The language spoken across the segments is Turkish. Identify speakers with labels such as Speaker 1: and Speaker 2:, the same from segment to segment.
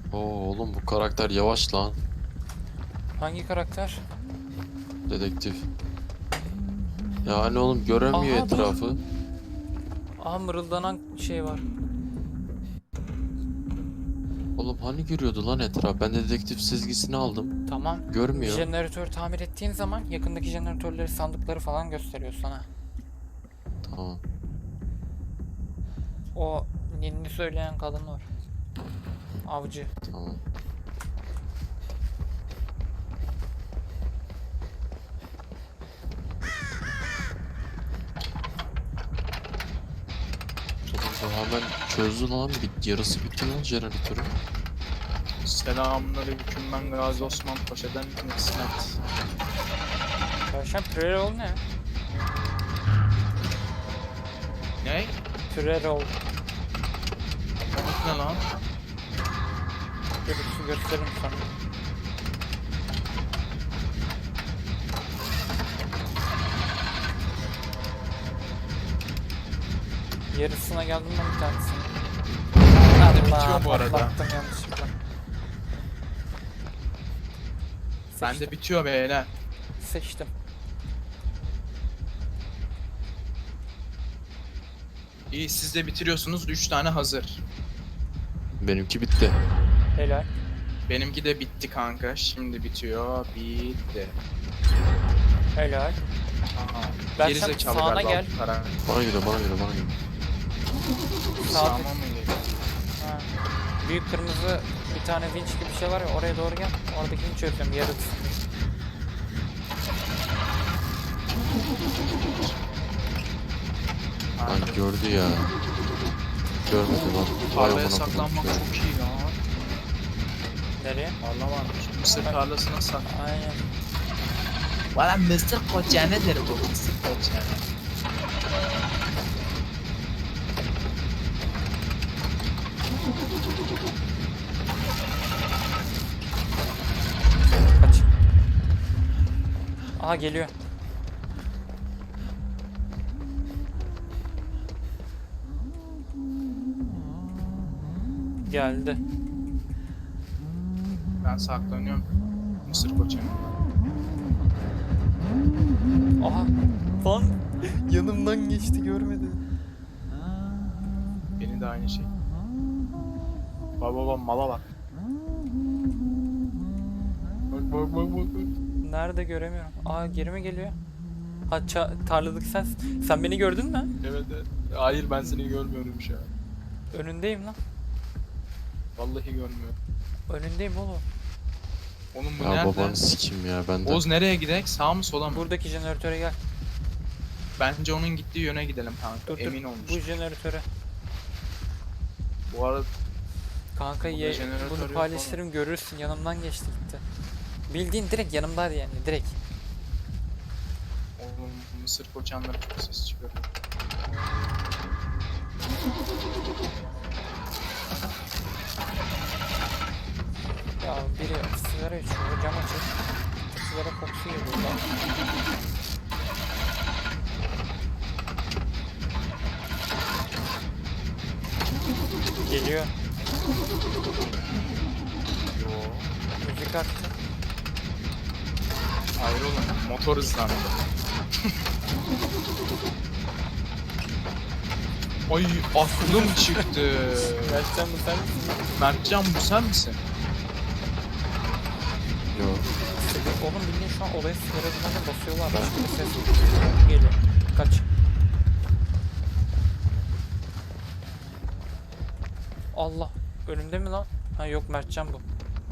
Speaker 1: Oo oğlum bu karakter yavaş lan.
Speaker 2: Hangi karakter?
Speaker 1: Dedektif. Yani oğlum göremiyor
Speaker 2: Aha dur.
Speaker 1: etrafı.
Speaker 2: Aha mırıldanan şey var.
Speaker 1: Oğlum hani görüyordu lan etraf? Ben de dedektif sezgisini aldım.
Speaker 2: Tamam.
Speaker 1: Görmüyor.
Speaker 2: Jeneratör tamir ettiğin zaman yakındaki jeneratörleri, sandıkları falan gösteriyor sana.
Speaker 1: Tamam.
Speaker 2: O ninni söyleyen kadın var. Avcı.
Speaker 1: Tamam. Oğlum bu hemen çözdü lan. Yarısı bitti lan jeneratörü.
Speaker 3: Selamünaleyküm, ben Gazi Osman Paşa'dan İsmet.
Speaker 2: Karşıdan Pürerol ne?
Speaker 3: Ne?
Speaker 2: Pürerol.
Speaker 3: Ne lan?
Speaker 2: Görüntüsü gösteririm sana. Yarısına geldim ben bir tanesine.
Speaker 3: bitiyor bu arada.
Speaker 2: Patlattım yanlışlıkla.
Speaker 3: Bende bitiyor beyler.
Speaker 2: Seçtim.
Speaker 3: İyi, siz de bitiriyorsunuz. 3 tane hazır.
Speaker 1: Benimki bitti.
Speaker 2: Helal.
Speaker 3: Benimki de bitti kanka. Şimdi bitiyor. Bitti.
Speaker 2: Helal.
Speaker 3: Aha.
Speaker 2: Ben
Speaker 3: Gerizekalı
Speaker 2: sağına
Speaker 3: galiba
Speaker 2: gel.
Speaker 3: bu karar.
Speaker 1: Bana göre bana göre bana göre.
Speaker 3: Sağıma mı geliyor?
Speaker 2: Ha. Büyük kırmızı bir tane vinç gibi bir şey var ya, oraya doğru gel. Oradakini çözeceğim yarısı.
Speaker 1: Lan gördü ya. Görmedi lan. Vay
Speaker 3: Tarlaya
Speaker 1: amına
Speaker 3: saklanmak
Speaker 1: koyayım.
Speaker 3: çok iyi lan.
Speaker 2: Nereye?
Speaker 3: Tarla varmış. Mısır tarlasına sak.
Speaker 2: Aynen.
Speaker 3: Valla mısır koçanedir bu. Mısır koçane.
Speaker 2: Kaç. Aha geliyor. Geldi.
Speaker 3: Ben saklanıyorum. Mısır koçane.
Speaker 2: Aha. Lan yanımdan geçti, görmedi.
Speaker 3: Beni de aynı şey. Baba mala bak. Bak.
Speaker 2: Nerede göremiyorum. Aa geri mi geliyor? Ha tarladık sen. Sen beni gördün mü?
Speaker 3: Evet. Hayır, ben seni görmüyorum şu an.
Speaker 2: Önündeyim lan.
Speaker 3: Vallahi görmüyorum.
Speaker 2: Önündeyim oğlum.
Speaker 3: Oğlum bu
Speaker 1: Ya
Speaker 3: nerede?
Speaker 1: babanı sikim ya ben de.
Speaker 3: Oğuz nereye gidek? Sağ mı sola mı?
Speaker 2: Buradaki jeneratöre gel.
Speaker 3: Bence onun gittiği yöne gidelim kanka.
Speaker 2: Dur
Speaker 3: Emin
Speaker 2: dur.
Speaker 3: olmuş.
Speaker 2: Bu jeneratöre.
Speaker 3: Bu arada
Speaker 2: Kanka
Speaker 3: Burada jeneratör
Speaker 2: bunu
Speaker 3: yok
Speaker 2: paylaştırırım, görürsün, yanımdan geçti gitti. Bildiğin direkt yanımdaydı yani, direkt.
Speaker 3: oğlum mısır koçanları çok ses çıkarıyor.
Speaker 2: Ya biri sigara içiyor, cam açık. Sigara kokusu geliyor lan. Geliyor.
Speaker 3: Yo.
Speaker 2: Müzik attı.
Speaker 3: Hayır oğlum, motor hızlandı. Ay, aklım çıktı.
Speaker 2: Gerçekten bu sen misin?
Speaker 3: Mertcan, bu sen misin?
Speaker 1: Yo.
Speaker 2: Oğlum bildiğin şu an olaya sigara dumanı basıyorlar. Başka bir ses geliyor. Kaç. Allah. Önümde mi lan? Ha yok, Mertcan bu.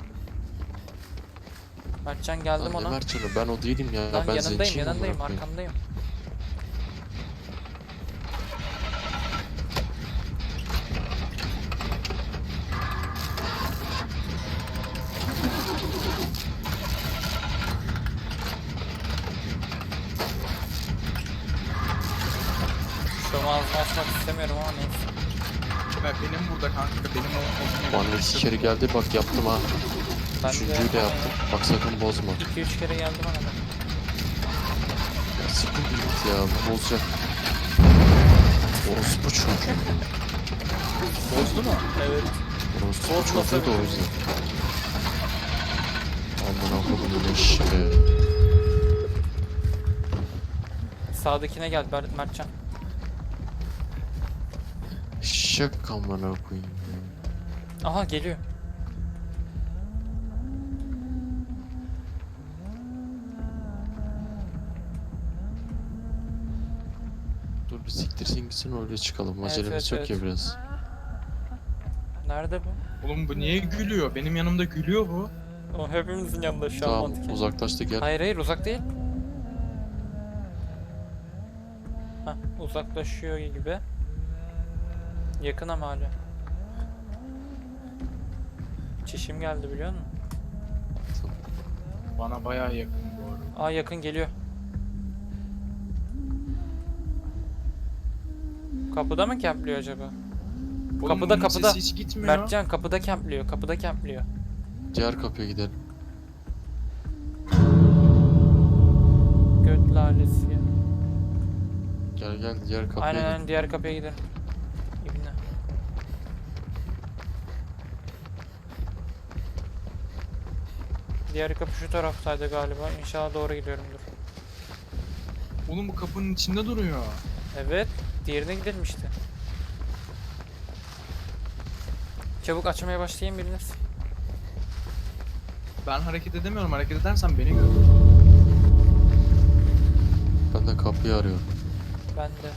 Speaker 2: Mertcan geldim
Speaker 1: Lan ne
Speaker 2: ona.
Speaker 1: Mertcan'ı ben o değilim ya.
Speaker 2: Lan
Speaker 1: Ben
Speaker 2: yanındayım,
Speaker 1: zenciyim
Speaker 2: yanındayım,
Speaker 1: amına koyayım.
Speaker 2: arkamdayım. Şu an ağzını açmak istemiyorum ama neyse.
Speaker 3: Benim burada kanka, benim o.
Speaker 1: Bana iki kere geldi bak yaptım ha.
Speaker 2: Ben
Speaker 1: Üçüncüyü de yaptım. Bak sakın bozma.
Speaker 2: 2-3 kere geldi bana da.
Speaker 1: Ya siktir git ya bu bozacak. Orospu çocuğu.
Speaker 3: Bozdu mu?
Speaker 2: Evet.
Speaker 1: Orası
Speaker 2: Bozmasa
Speaker 1: çok da o
Speaker 2: bile.
Speaker 1: yüzden. Aman akıllı eşeğe.
Speaker 2: Sağdakine gel Mertcan.
Speaker 1: Şak amına koyayım.
Speaker 2: Aha geliyor.
Speaker 1: Dur bir siktirsin gitsin öyle çıkalım. Acelemiz
Speaker 2: evet,
Speaker 1: yok ya biraz.
Speaker 2: Nerede bu?
Speaker 4: Oğlum bu niye gülüyor? Benim yanımda gülüyor bu.
Speaker 2: O hepimizin yanında şu an
Speaker 1: Tamam
Speaker 2: mantıken.
Speaker 1: uzaklaştı gel.
Speaker 2: Hayır uzak değil. Hah uzaklaşıyor gibi. Yakın ama hala. Çişim geldi biliyor musun?
Speaker 4: Bana bayağı yakın bu arada.
Speaker 2: Aa yakın geliyor. Kapıda mı kempliyor acaba?
Speaker 4: Oğlum
Speaker 2: Kapıda,
Speaker 4: bunun
Speaker 2: kapıda.
Speaker 4: sesi hiç gitmiyor.
Speaker 2: Mertcan kapıda kempliyor. Kapıda kempliyor.
Speaker 1: Diğer kapıya gidelim.
Speaker 2: Göt lalesi ya.
Speaker 1: Gel gel diğer kapıya
Speaker 2: Aynen
Speaker 1: gidelim.
Speaker 2: aynen diğer kapıya gidelim. İbne. Diğer kapı şu taraftaydı galiba. İnşallah doğru gidiyorumdur.
Speaker 4: Oğlum bu kapının içinde duruyor.
Speaker 2: Evet. Diğerine gidelim işte. Çabuk açmaya başlayayım biriniz.
Speaker 4: Ben hareket edemiyorum. Hareket edersen beni gör.
Speaker 1: Ben de kapıyı arıyorum.
Speaker 2: Ben de.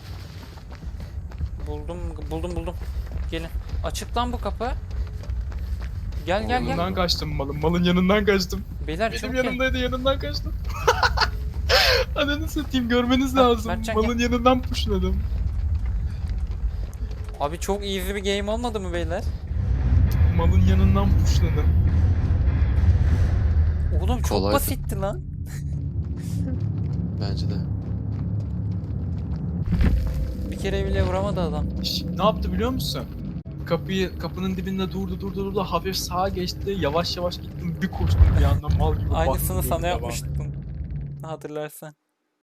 Speaker 2: Buldum. Gelin. Açık lan bu kapı. Gel gel
Speaker 4: Yanından
Speaker 2: gel.
Speaker 4: kaçtım malın. Malın yanından kaçtım.
Speaker 2: Beyler
Speaker 4: Benim
Speaker 2: çabuk gelin.
Speaker 4: yanımdaydı yanından kaçtım. Ananı satayım görmeniz lazım.
Speaker 2: Mertcan,
Speaker 4: Malın yanından pushladım.
Speaker 2: Abi çok easy bir game olmadı mı beyler?
Speaker 4: Malın yanından pushladım.
Speaker 2: Oğlum çok
Speaker 1: Kolaydı.
Speaker 2: basitti lan.
Speaker 1: Bence de.
Speaker 2: Bir kere bile vuramadı adam.
Speaker 4: Ne yaptı biliyor musun? Kapının dibinde durdu. Hafif sağa geçti. Yavaş yavaş gittim. Bir koştum bir anda mal gibi.
Speaker 2: Aynısını
Speaker 4: baktım
Speaker 2: sana
Speaker 4: böyle
Speaker 2: yapmıştım. Hatırlarsan.